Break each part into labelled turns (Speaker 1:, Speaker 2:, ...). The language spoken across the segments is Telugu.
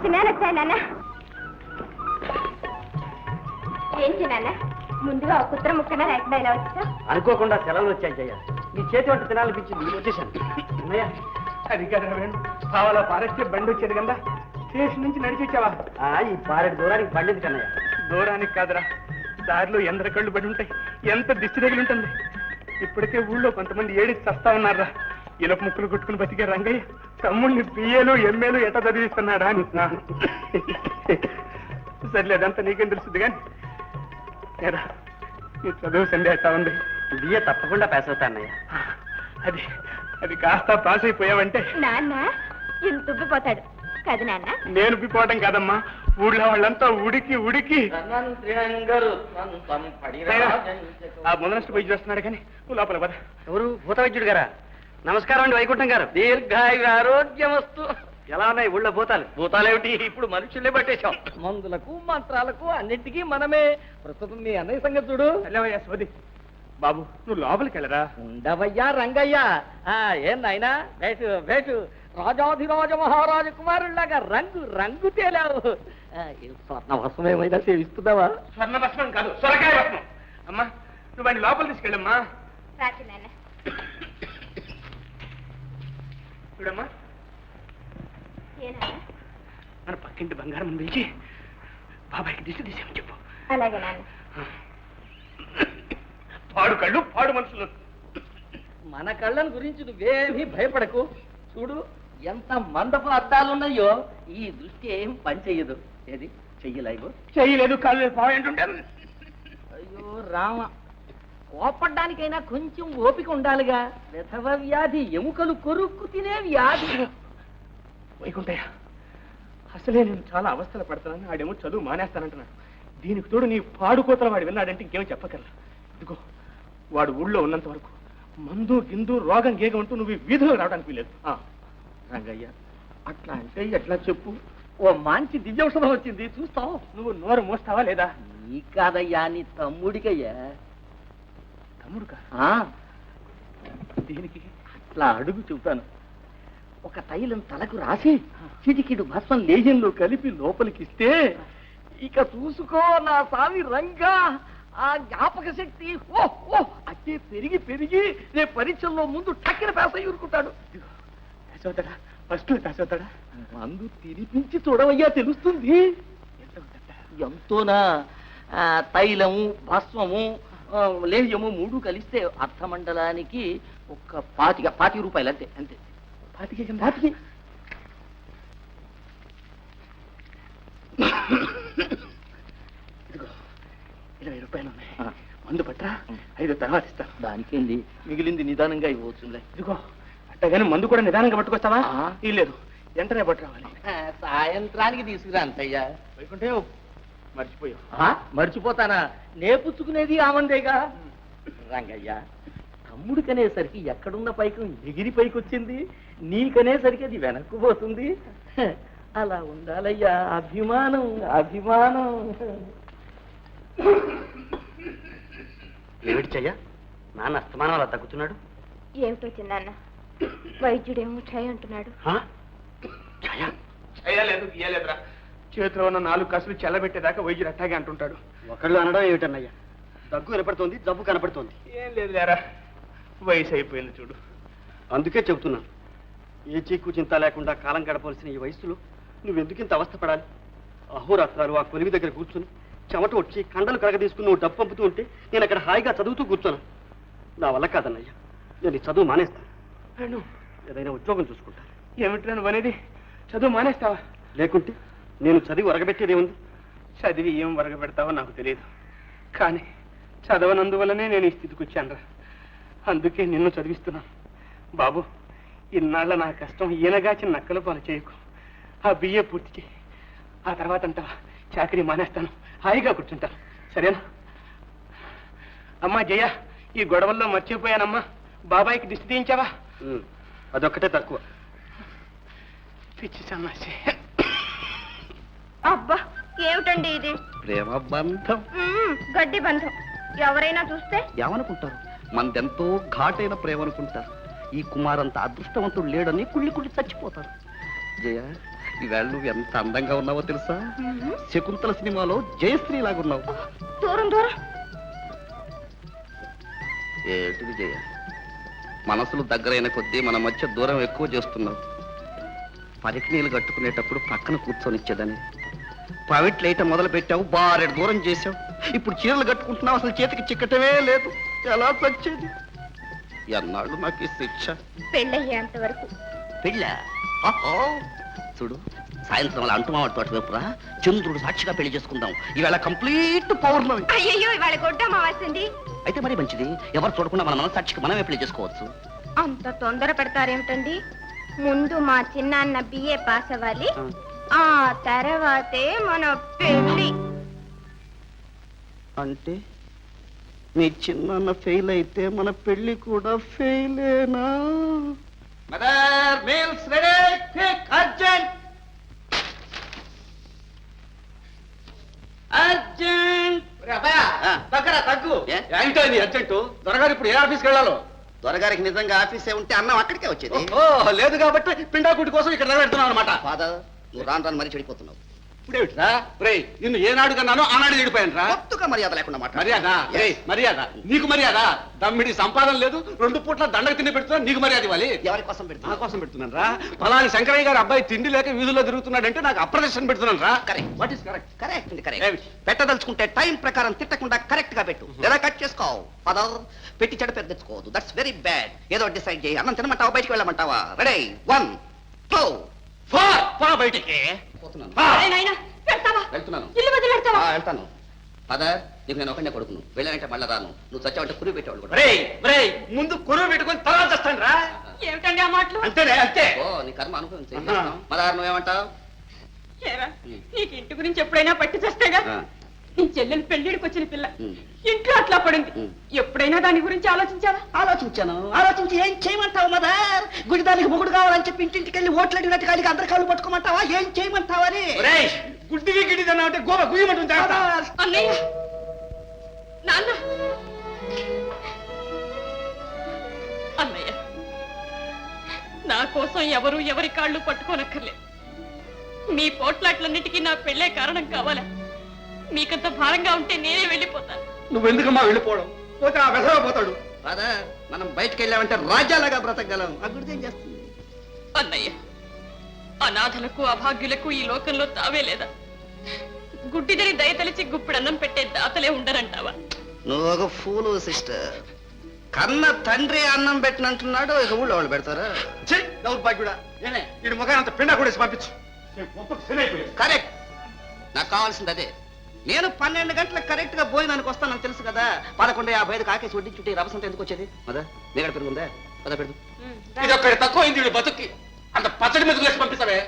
Speaker 1: చిన్న వచ్చాయి నాన్న. ఏంటి నాన్న ముందుగా ఒక కుత్ర ముక్కన లేకుండా ఇలా వచ్చా?
Speaker 2: అనుకోకుండా సెలవులు వచ్చాయి జయ. నీ చేతి వంట తినాలనిపించింది, వచ్చేసాను. అన్నయ్య
Speaker 3: అది కదా వేణు, కావాలా పారేస్తే బండి వచ్చేది కదా, స్టేషన్ నుంచి నడిచి వచ్చావా?
Speaker 2: ఈ పారెడు దూరానికి పండింది కన్నయ్య.
Speaker 3: దూరానికి కాదురా, దారిలో ఎందర కళ్ళు పడి ఉంటాయి, ఎంత దిష్టి తగిలి ఉంటుంది. ఇప్పటికే ఊళ్ళో కొంతమంది ఏడిచి చస్తా ఉన్నారా. ఇలపు ముక్కులు కొట్టుకుని బతికే రంగయ్య తమ్ముడిని పిఏలు ఎంఏలు ఎట్లా చదివిస్తున్నాడా అని. సర్లే, అదంతా నీకేం తెలుస్తుంది కానీ ఏరా నీ చదువు సండే ఎట్టా ఉంది?
Speaker 2: బియ్య తప్పకుండా పాస్ అవుతా అన్నయ్య.
Speaker 3: అది అది కాస్త పాస్ అయిపోయావంటే
Speaker 1: నాన్న ఇంత ఉబ్బిపోతాడు కదా నాన్న.
Speaker 3: నేను ఉబ్బిపోవటం కాదమ్మా, ఊళ్ళో వాళ్ళంతా ఉడికి ఉడికి. ఆ ముందనಷ್ಟು పోయి చేస్తున్నాడు కానీ నువ్వు లోపల పద.
Speaker 2: ఎవరు? భూత వైద్యుడు గారా? నమస్కారం అండి వైకుంఠం గారు.
Speaker 4: దీర్ఘాయు ఆరోగ్యమస్తు.
Speaker 2: ఎలా ఉన్నాయి ఊళ్ళో భూతాలు?
Speaker 4: భూతాలేమిటి, ఇప్పుడు మనుషుల్నే పట్టేశాం. మందులకు మంత్రాలకు అన్నింటికీ మనమే. ప్రస్తుతం మీ అన్నయ్య సంగతి చూడు.
Speaker 3: వెళ్ళవయ్యా సోది. బాబు నువ్వు లోపలికి వెళ్ళరా.
Speaker 4: ఉండవయ్యా రంగయ్య. ఏం నాయనా, వేటు వేటు రాజాధిరాజ మహారాజ కుమారుల్లాగా రంగు రంగు తేలావు. స్వర్ణ భస్మం ఏమైనా సేవిస్తున్నావా?
Speaker 3: స్వర్ణ భస్మం కాదు, సొరకాయ భస్మం. అమ్మా నువ్వు వాడిని లోపల తీసుకెళ్ళమ్మా.
Speaker 1: రాచి నాన్న.
Speaker 3: చూడమ్మా,
Speaker 1: ఏనా
Speaker 3: మన పక్కింటి బంగారం పిలిచి బాబాయ్కి దిశ తీసేమని చెప్పు.
Speaker 1: అలాగే నాన్న.
Speaker 3: పాడు కళ్ళు పాడు మనుషులు.
Speaker 4: మన కళ్ళను గురించి నువ్వేమీ భయపడకు. చూడు ఎంత మందపు అద్దాలున్నాయో, ఈ దృష్టి ఏం పని చెయ్యదు. ఏది చెయ్యలేవు?
Speaker 3: చెయ్యలేదు, కాళ్ళు పాయింటుంటే.
Speaker 4: అయ్యో రామ, కోపడ్డానికైనా కొంచెం ఓపిక ఉండాలిగా. విధవ వ్యాధి, ఎముకలు కొరుక్కు తినే వ్యాధి.
Speaker 3: వైకుంఠయ్య, అసలే నేను చాలా అవస్థలు పడతానని ఆడేమో చదువు మానేస్తానంటున్నాడు. దీనికి తోడు నీ పాడుకోతల వాడు విన్నాడంటే ఇంకేమో చెప్పగలరా. ఇదిగో వాడు ఊళ్ళో ఉన్నంత వరకు మందు గిందు రోగం గేగం అంటూ నువ్వు వీధిలో రావడానికి వీలేదు.
Speaker 4: రంగయ్య అట్లా అంటే ఎట్లా చెప్పు. ఓ మంచి దివ్యౌషధం వచ్చింది, చూస్తావు.
Speaker 3: నువ్వు నోరు మోస్తావా లేదా?
Speaker 4: నీ కాదయ్యా, నీ తమ్ముడికయ్యా.
Speaker 3: తమ్ముడుకా? దీనికి
Speaker 4: అట్లా అడుగు చెబుతాను. ఒక తైలం తలకు రాసి చిటికిడు భస్మం లేజంలో కలిపి లోపలికిస్తే ఇక చూసుకో నా సామి రంగా, ఆ జ్ఞాపక శక్తి ఓ ఓ అట్టే పెరిగి పెరిగి రేపు పరీక్షల్లో ముందు టక్కిన పేస ఊరుకుంటాడు.
Speaker 3: ఫస్ట్ పేసవుతాడా?
Speaker 4: మందు తినిపించి చూడవయ్యా, తెలుస్తుంది. ఎంతోనా? తైలము భస్మము లేహ్యము మూడు కలిస్తే అర్థమండలానికి ఒక 25 రూపాయలు అంతే. అంతే
Speaker 3: 25. ఇదిగో 20 రూపాయలు ఉన్నాయి, మందు పట్రా, 5 తర్వాత ఇస్తాను.
Speaker 4: దానికేంది, మిగిలింది నిదానంగా ఇవ్వచ్చులే.
Speaker 3: ఇదిగో అట్టగానే మందు కూడా నిదానంగా పట్టుకొస్తావా? లేదు, వెంటనే పట్టురావాలి.
Speaker 4: సాయంత్రానికి తీసుకురా అంతయ్యా.
Speaker 3: వైకుంఠే మర్చిపోయావు.
Speaker 4: మర్చిపోతానా? నేపుచ్చుకునేది ఆమందేగా. రంగయ్య, తమ్ముడికనేసరికి ఎక్కడున్న పైకం ఎగిరి పైకొచ్చింది, నీకనేసరికి అది వెనక్కు పోతుంది. అలా ఉండాలయ్యా, అభిమానం అభిమానం.
Speaker 2: ఏమిటి చెయ్య, నాన్న అస్తమానం అలా తగ్గుతున్నాడు?
Speaker 1: ఏమిటో చిన్నాన్న, వైద్యుడేమో క్షయ అంటున్నాడు.
Speaker 3: చేయలేదు గీయలేదురా, చేతిలో ఉన్న 4 కసులు చెల్లబెట్టేదాకా వైద్యుడు అట్టాగే అంటుంటాడు.
Speaker 2: ఒకళ్ళు అనడం ఏమిటన్నయ్యా, దగ్గు కనపడుతోంది, జబ్బు కనపడుతోంది.
Speaker 3: ఏం లేదు లేరా, వయసు అయిపోయింది చూడు.
Speaker 2: అందుకే చెబుతున్నాను, ఏ చీకు చింత లేకుండా కాలం గడపవలసిన ఈ వయసులో నువ్వెందుకింత అవస్థపడాలి? అహోరాత్రాలు ఆ కొలివి దగ్గర కూర్చుని చెమట వచ్చి కండలు కరగదీసుకుని నువ్వు డబ్బు పంపుతూ ఉంటే నేను అక్కడ హాయిగా చదువుతూ కూర్చోను. నా వల్ల కాదన్నయ్యా, నేను ఈ చదువు మానేస్తాను. ఏదైనా ఉద్యోగం చూసుకుంటాను.
Speaker 3: ఏమిటి నువ్వు అనేది? చదువు మానేస్తావా?
Speaker 2: లేకుంటే నేను చదివి ఒరగబెట్టేదేముంది?
Speaker 3: చదివి ఏం ఒరగబెడతావో నాకు తెలియదు, కానీ చదవనందువల్లనే నేను ఈ స్థితికి వచ్చానురా. అందుకే నిన్ను చదివిస్తున్నాను. బాబు, ఇన్నాళ్ళ నా కష్టం ఈయనగాచి నక్కల పాలు చేయకు. ఆ బిఏ పూర్తి చేయి, ఆ తర్వాత అంటావా చాకరీ మానేస్తాను, హాయిగా కూర్చుంటాను. సరేనా? అమ్మా జయ, ఈ గొడవల్లో మర్చిపోయానమ్మా, బాబాయికి దిష్టి తీయించావా?
Speaker 2: అదొక్కటే తక్కువ.
Speaker 3: పిచ్చి సన్నాసి.
Speaker 1: అబ్బా ఏమిటండి ఇది?
Speaker 4: ప్రేమ బంధం,
Speaker 1: గడ్డి బంధం. ఎవరైనా చూస్తే
Speaker 4: ఏమనుకుంటారు? మనదెంతో ఘాటైన ప్రేమ అనుకుంటారు. ఈ కుమారంత అదృష్టవంతుడు లేడని కుళ్ళి కుళ్ళి చచ్చిపోతారు. జయ, ఈవేళ నువ్వు ఎంత అందంగా ఉన్నావో తెలుసా? శకుంతల సినిమాలో జయశ్రీ లాగున్నావు.
Speaker 1: దూరం దూరం.
Speaker 4: ఏంటిది జయ, మనసులు దగ్గరైన కొద్దీ మన మధ్య దూరం ఎక్కువ చేస్తున్నావు. పరికి నీళ్ళు కట్టుకునేటప్పుడు పక్కన కూర్చొనిచ్చేదని ప్రైవేట్ లైట్ మొదలు పెట్టావు, బారెడు దూరం చేసావు. ఇప్పుడు చీరలు కట్టుకుంటున్నావు, అసలు చేతికి చిక్కటమే లేదు. ఎలా వచ్చేది? ఎన్నాళ్ళు నాకు ఈ శిక్ష?
Speaker 1: పెళ్ళయ్యేంత వరకు.
Speaker 4: పెళ్ళ? చూడు, సాయంత్రం అలా అంటుమావాడి తోట వైపురా చంద్రుడు సాక్షిగా పెళ్లి చేసుకుందాం. ఈవేళ కంప్లీట్ పౌర్ణమి.
Speaker 1: అయ్యయ్యో, ఇవాళ కొట్టమావాల్సింది.
Speaker 4: అయితే మరి మంచిది, ఎవరు చూడకుండా మన మనసాక్షికి మనమే పెళ్లి చేసుకోవచ్చు.
Speaker 1: అంత తొందర పెడతారేమిటండి? ముందు మా చిన్నాన్న బిఏ పాస్ అవ్వాలి, ఆ తర్వాతే మన పెళ్లి.
Speaker 4: అంటే మీ చిన్న ఫెయిల్ అయితే మన పెళ్లి కూడా ఫెయిలేనా? Mother meals ready, quick, urgent urgent.
Speaker 2: దగ్గర తగ్గు.
Speaker 4: ఏ?
Speaker 2: ఏంటో ఇది అర్జెంటు? దొరగారు ఇప్పుడు ఏ ఆఫీస్కి వెళ్ళాలో?
Speaker 4: దొరగారికి నిజంగా ఆఫీసే ఉంటే అన్నం అక్కడికే వచ్చేది.
Speaker 2: ఓ లేదు కాబట్టి పిండాకుటి కోసం ఇక్కడ నిలబెడుతున్నావు అనమాట.
Speaker 4: ఫాదర్, నువ్వు రాను రాను మరీ చెడిపోతున్నావు.
Speaker 2: ఇప్పుడేమిట్రా రేయ్, నిన్ను ఏనాడు కన్నానో ఆనాడు చెడిపోయాను రా.
Speaker 4: కొత్తగా మర్యాద లేకుండా మాట.
Speaker 2: మర్యాద రేయ్, మర్యాద నీకు మర్యాద. దమ్మిడి సంపాదన లేదు, 2 పూట్ల దండకు తిండి పెడుతున్నా, నీకు మర్యాద ఇవ్వాలి.
Speaker 4: ఎవరి కోసం
Speaker 2: నా
Speaker 4: పెడుతున్నా?
Speaker 2: కోసం పెడుతున్నాను రా. ఫలాని శంకరయ్య గారు అబ్బాయి తిండి లేక వీధుల్లో తిరుగుతున్నాడంటే నాకు అప్రదర్శన పెడుతున్నాను రా.
Speaker 4: Correct.
Speaker 2: What is correct?
Speaker 4: Correct అండి,
Speaker 2: ఏమిటి?
Speaker 4: కరెక్ట్. పెట్టదలుచుకుంటే టైం ప్రకారం తిట్టకుండా కరెక్ట్ గా పెట్టు, లేదా కట్ చేసుకోవు. ఫాదర్, పెట్టి చెడు పెద్ద తెచ్చుకోవద్దు. That's very bad. ఏదో డిసైడ్ చేయి. అన్నం తినమంటావా, బయటికి వెళ్ళమంటావా? రెడీ, 1 2
Speaker 2: పో బయటికి.
Speaker 4: పోతున్నాను.
Speaker 1: అరే నాయనా, పెడతావా?
Speaker 4: వెళ్తున్నాను.
Speaker 1: ఇల్లు వదిలి పెడతావా?
Speaker 4: వెళ్తాను. ఫాదర్, నీకు నేను ఒకటే కొడుకును, వెళ్ళానంటే మళ్ళా రాను. నువ్వు చచ్చావంటే కురి పెట్టేవాళ్ళు కూడా.
Speaker 2: రేయ్ రేయ్, ముందు కొరువు పెట్టుకొని తర్వాత చేస్తాను రా.
Speaker 1: ఏమిటండి ఆ మాటలు?
Speaker 2: అంతేనే అంతే.
Speaker 4: ఓ, నీ కర్మ అనుభవించే. మదర్, నువ్వేమంటావు?
Speaker 5: ఏరా, నీకు ఇంటి గురించి ఎప్పుడైనా పట్టి చేస్తేగా నీ చెల్లెలు పెళ్లిడికి వచ్చిన పిల్ల ఇంట్లో అట్లా పడింది. ఎప్పుడైనా దాని గురించి ఆలోచించావా?
Speaker 4: ఆలోచించి ఏం చేయమంటావు మదర్? గుడిదానికి మొగుడు కావాలని చెప్పి ఇంటింటికి వెళ్ళి ఓట్లు అడిగినట్టు కాడికి అందరి కాళ్ళు పట్టుకోమంటావా? ఏం చేయమంటావని?
Speaker 2: రేయ్, గుడ్డివి గిడ్డిదన్నా అంటే గోవ గుయ్యమంటుంది జాగ్రత్త.
Speaker 5: అన్నయ్య, నాన్న, అన్నయ్య, నా కోసం ఎవరు ఎవరి కాళ్ళు పట్టుకోనక్కర్లేదు. మీ పోట్లాట్లన్నిటికీ నా పెళ్ళే కారణం కావాలా? మీకంత భారంగా ఉంటే నేనే వెళ్ళిపోతాను.
Speaker 2: నువ్వెందుకమ్మా వెళ్ళిపోవడం? పోతే ఆ వెసవ పోతాడు.
Speaker 4: ఫాదర్, మనం బయటకు వెళ్ళామంటే రాజ్యాలుగా బ్రతకగలం. ఆ గుడిది ఏం చేస్తుంది?
Speaker 5: అన్నయ్య, అనాథలకు అభాగ్యులకు ఈ లోకంలో తావే లేదా? గుడ్డిదని దయతలిచి గుప్పిడన్నం పెట్టే దాతలే ఉండరంటావా?
Speaker 4: నువ్వు ఒక ఫూలు సిస్టర్. కన్న తండ్రి అన్నం పెట్టినంటున్నాడు, ఇక ఊళ్ళో వాళ్ళు పెడతారా?
Speaker 2: చెయ్ దౌర్భాగ్యుడా. నేనే ఈ ముఖాన్ని అంత పిండా కూడా పంపించు.
Speaker 4: కరెక్ట్. నాకు కావాల్సింది అదే. నేను 12 గంటలకు కరెక్ట్ గా భోజనానికి వస్తానని తెలుసు కదా. 11:55 ఆకేసి వడ్డీ చుట్టి రవసంత ఎందుకు వచ్చేది? మదా నీగడ పెరుగుందా? పద పెడుతు.
Speaker 2: ఇది ఒక్కడి తక్కువ అయింది వీడు బతుక్కి. అంత పచ్చడి మీద వేసి పంపిస్తావే.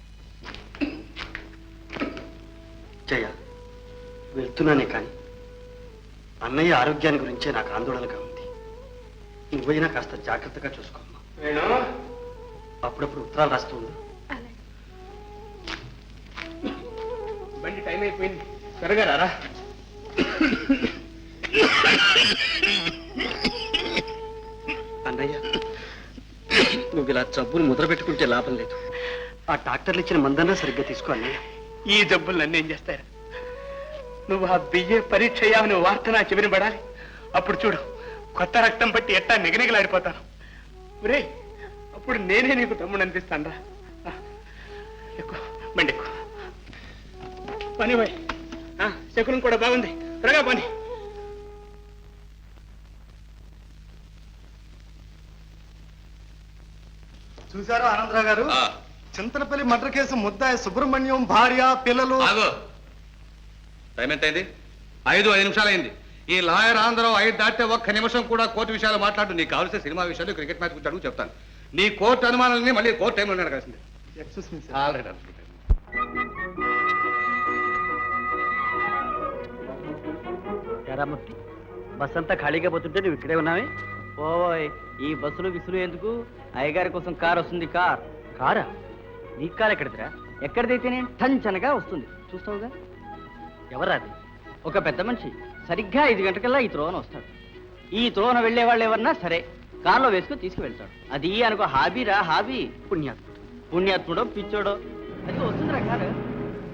Speaker 2: జయ, వెళ్తున్నానే కానీ అన్నయ్య ఆరోగ్యాన్ని గురించే నాకు ఆందోళనగా ఉంది. నువ్వైనా కాస్త జాగ్రత్తగా చూసుకోమ్మా. అప్పుడప్పుడు ఉత్తరాలు రాస్తూ ఉండు.
Speaker 3: బండి టైం అయిపోయింది, త్వరగా రారా.
Speaker 2: అన్నయ్య, నువ్వు ఇలా జబ్బులు ముద్ర పెట్టుకుంటే లాభం లేదు. ఆ డాక్టర్లు ఇచ్చిన మందన్నా సరిగ్గా తీసుకో అన్నయ్య.
Speaker 3: ఈ జబ్బులు నన్ను ఏం చేస్తారు? నువ్వు ఆ బియ్య పరీక్ష అయ్యావని వార్త నా చెవిని పడాలి. అప్పుడు చూడు, కొత్త రక్తం పట్టి ఎట్టా నిగనిగలాడిపోతాను. రే, అప్పుడు నేనే నీకు తమ్ముడు అనిపిస్తాను రా. ఎక్కువ బండి ఎక్కువ పని పోయి. శకునం కూడా బాగుంది, త్వరగా పని.
Speaker 6: చూశారు ఆనందరావు గారు, చింతలపల్లి మర్డర్ కేసు ముద్దాయి సుబ్రహ్మణ్యం భార్య పిల్లలు.
Speaker 7: టైం ఎంత అయింది? 5 నిమిషాలు అయింది. ఈ లాయర్ ఆంధ్రరావు 5 దాటితే ఒక్క నిమిషం కూడా కోర్టు విషయాలు మాట్లాడు. నీకు కావాల్సిన సినిమా విషయాలు, క్రికెట్ మ్యాచ్ గురించి అడుగు చెప్తాను. నీ కోర్టు అనుమానాలని మళ్ళీ కోర్టు టైంలో అడగాల్సింది.
Speaker 6: Excuse me sir.
Speaker 7: Already
Speaker 2: Eramurthy, bus అంతా ఖాళీగా పోతుంటే నువ్వు ఇక్కడే ఉన్నావే? ఓయ్, ఈ బస్సులు విసులు ఎందుకు? అయ్యగారి కోసం కార్ వస్తుంది. కారా? నీ కారు ఎక్కడిదిరా? ఎక్కడిదైతేనే టంచనగా వస్తుంది, చూస్తావుగా. ఎవరా అది? ఒక పెద్ద మనిషి. సరిగ్గా 5 గంటకల్లా ఈ త్రోవన వస్తాడు. ఈ త్రోవన వెళ్లే వాళ్ళు ఎవరన్నా సరే కారులో వేసుకుని తీసుకువెళ్తాడు. అది అనుకో హాబీరా, హాబీ. పుణ్యాత్ముడో పిచ్చోడో
Speaker 4: అది వస్తుంది రంగారు